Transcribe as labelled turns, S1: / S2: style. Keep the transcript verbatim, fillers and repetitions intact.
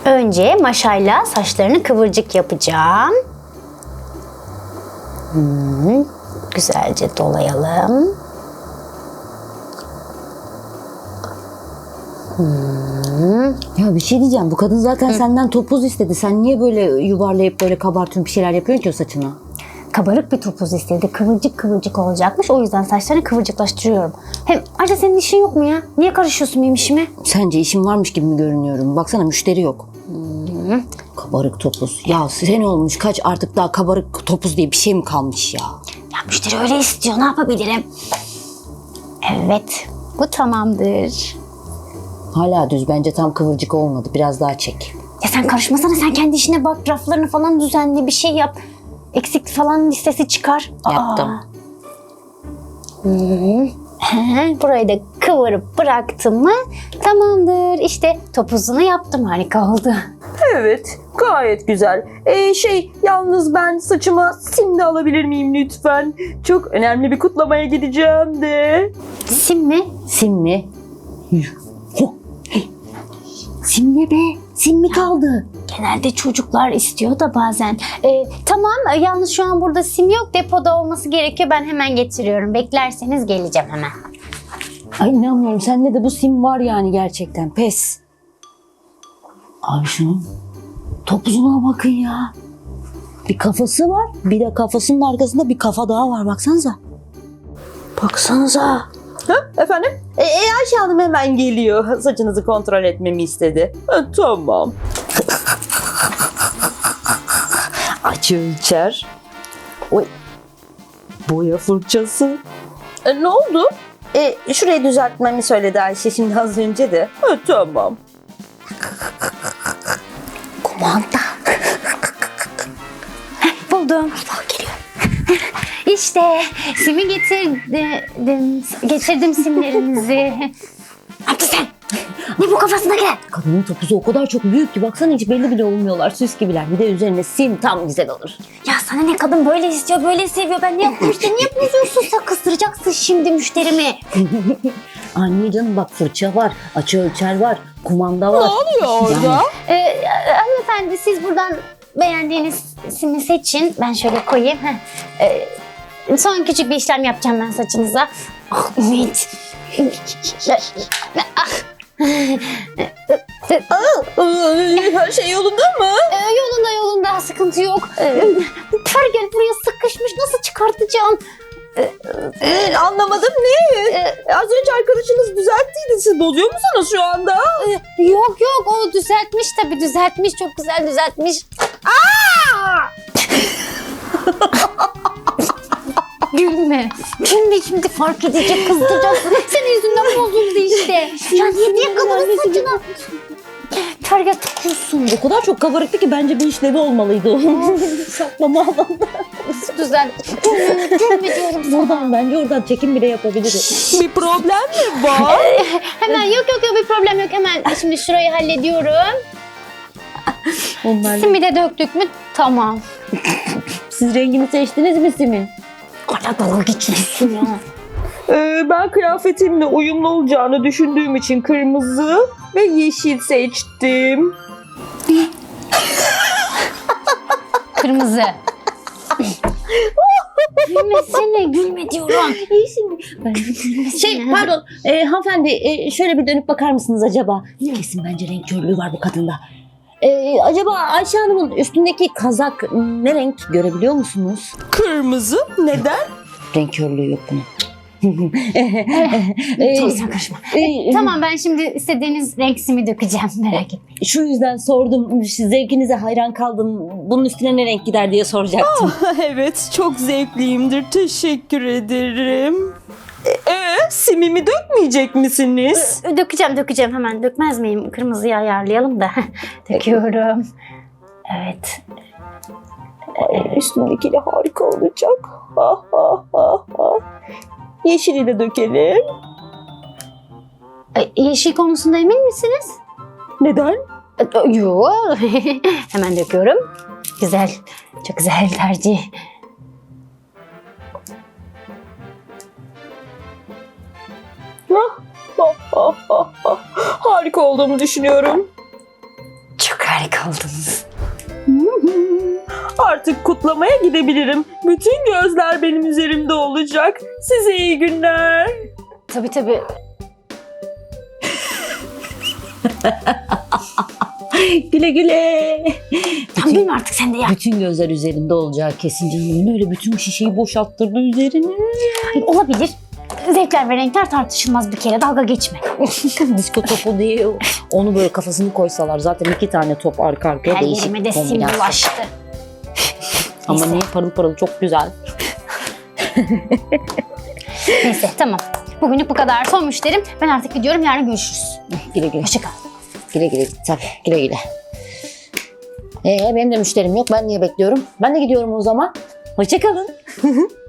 S1: Önce maşayla saçlarını kıvırcık yapacağım. Hmm, güzelce dolayalım.
S2: Hmm. Ya bir şey diyeceğim. Bu kadın zaten Hı. senden topuz istedi. Sen niye böyle yuvarlayıp böyle kabartıyorsun, bir şeyler yapıyorsun ki o saçına?
S1: Kabarık bir topuz istedi. Kıvırcık kıvırcık olacakmış. O yüzden saçlarını kıvırcıklaştırıyorum. Hem ayrıca senin işin yok mu ya? Niye karışıyorsun benim işime?
S2: Sence işim varmış gibi mi görünüyorum? Baksana müşteri yok. Hmm. Kabarık topuz. Ya sene olmuş kaç, artık daha kabarık topuz diye bir şey mi kalmış ya?
S1: Ya müşteri öyle istiyor. Ne yapabilirim? Evet. Bu tamamdır.
S2: Hala düz. Bence tam kıvırcık olmadı. Biraz daha çek.
S1: Ya sen karışmasana. Sen kendi işine bak. Raflarını falan düzenle. Bir şey yap. Eksik falan listesi çıkar.
S2: Yaptım.
S1: Hmm. Burayı da kıvırıp bıraktım mı tamamdır. İşte topuzunu yaptım. Harika oldu.
S3: Evet, gayet güzel. Ee, şey, yalnız ben saçıma sim de alabilir miyim lütfen? Çok önemli bir kutlamaya gideceğim de.
S1: Sim mi?
S2: Sim mi? Sim ne be? Sim mi kaldı?
S1: Genelde çocuklar istiyor da bazen. Ee, tamam, yalnız şu an burada sim yok. Depoda olması gerekiyor. Ben hemen getiriyorum. Beklerseniz geleceğim hemen.
S2: Ay inanmıyorum. Sende de bu sim var yani gerçekten. Pes. Abi şunun topuzuna bakın ya. Bir kafası var. Bir de kafasının arkasında bir kafa daha var. Baksanıza. Baksanıza.
S3: Ha, efendim? E, e, Ayşe Hanım hemen geliyor. Saçınızı kontrol etmemi istedi. Ha, tamam. Aç ölçer. Oy. Boya fırçası. E, ne oldu? E, şurayı düzeltmemi söyledi Ayşe şimdi az önce de. Ha, tamam.
S1: Kumanda. Heh, buldum. Bak geliyor. İşte simi getirdim. Getirdim simlerinizi. Ne yaptın sen? Ne bu kafasındaki?
S2: Kadının topuzu o kadar çok büyük ki baksana hiç belli bile olmuyorlar. Süs gibiler. Bir de üzerine sim tam güzel olur.
S1: Ya sana ne, kadın böyle istiyor, böyle seviyor. Ben ne yapayım işte, niye bozuyorsun? Sen kıstıracaksın şimdi müşterimi.
S2: Anne canım bak, fırça var, açı ölçer var, kumanda var.
S3: Ne oluyor orada?
S1: Yani, e, hanımefendi siz buradan beğendiğiniz simi seçin. Ben şöyle koyayım. E, son küçük bir işlem yapacağım ben saçınıza. Ah Ümit. Ah.
S3: Her şey yolunda mı?
S1: Ee, yolunda yolunda sıkıntı yok. Ee, Pergel buraya sıkışmış, nasıl çıkartacağım?
S3: Ee, anlamadım ne?
S1: Ee,
S3: Az önce arkadaşınız düzelttiydi. Siz bozuyor musunuz şu anda?
S1: e, yok yok, o düzeltmiş tabii, düzeltmiş, çok güzel düzeltmiş. Gülme. Gülme, şimdi fark edecek, kızdıracaksın. Senin yüzünden bozuldu işte. Ya niye niye kadının saçına? Pergel tutuyorsun.
S2: O kadar çok kabarıktı ki bence bir işlevi olmalıydı o. Saklama alanda.
S1: Düzel. Gülme, gülme diyorum sana.
S2: Buradan bence oradan çekim bile yapabiliriz.
S3: Bir problem mi var?
S1: Hemen yok yok yok, bir problem yok. Hemen şimdi şurayı hallediyorum.
S2: Onlar
S1: Simi de döktük mü? Tamam.
S2: Siz rengini seçtiniz mi simin?
S1: Hala dalga geçiyorsun ya.
S3: Ee, ben kıyafetimle uyumlu olacağını düşündüğüm için kırmızı ve yeşil seçtim.
S1: Kırmızı. Gülmesene, gülme diyorum.
S2: Şey pardon e, hanımefendi e, şöyle bir dönüp bakar mısınız acaba? Kesin bence renk körlüğü var bu kadında. E, acaba Ayşe Hanım'ın üstündeki kazak ne renk, görebiliyor musunuz?
S3: Kırmızı. Neden?
S2: Renk körlüğü yok bunun.
S1: Tamam, sen karışma.
S2: E,
S1: Tamam, ben şimdi istediğiniz renk simi dökeceğim, merak etmeyin.
S2: Şu yüzden sordum. Zevkinize hayran kaldım. Bunun üstüne ne renk gider diye soracaktım.
S3: Evet, çok zevkliyimdir. Teşekkür ederim. Ee, simimi dökmeyecek misiniz?
S1: Dökeceğim dökeceğim, hemen dökmez miyim? Kırmızıyı ayarlayalım da. Döküyorum. Evet.
S3: Ay, üstündekiyle harika olacak. Ha, ha, ha, ha. Yeşili de dökelim.
S1: E, Yeşil konusunda emin misiniz?
S3: Neden?
S1: Yok. Hemen döküyorum. Güzel. Çok güzel tercih.
S3: Ah, ah, ah, ah, ah. Harika olduğumu düşünüyorum.
S1: Çok harika.
S2: ay kaldınız.
S3: Artık kutlamaya gidebilirim. Bütün gözler benim üzerimde olacak. Size iyi günler.
S1: Tabii tabii.
S2: Güle güle.
S1: Tamam gülme artık sen de ya.
S2: Bütün gözler üzerinde olacağı kesin canım. Öyle bütün şişeyi boşalttırdı üzerine.
S1: Hayır, olabilir. Zevkler ve renkler tartışılmaz bir kere. Dalga geçme.
S2: Disko topu değil. Onu böyle kafasını koysalar zaten iki tane top arka arkaya
S1: Her
S2: değişik
S1: yerime de sim
S2: kombinasyon.
S1: bulaştı.
S2: Ama
S1: Neyse.
S2: niye parıl parıl çok güzel.
S1: Neyse tamam. Bugünlük bu kadar. Son müşterim. Ben artık gidiyorum. Yarın görüşürüz.
S2: Güle güle.
S1: Hoşça kal.
S2: Güle güle. Tabii güle güle. Ee, benim de müşterim yok. Ben niye bekliyorum? Ben de gidiyorum o zaman. Hoşça kalın.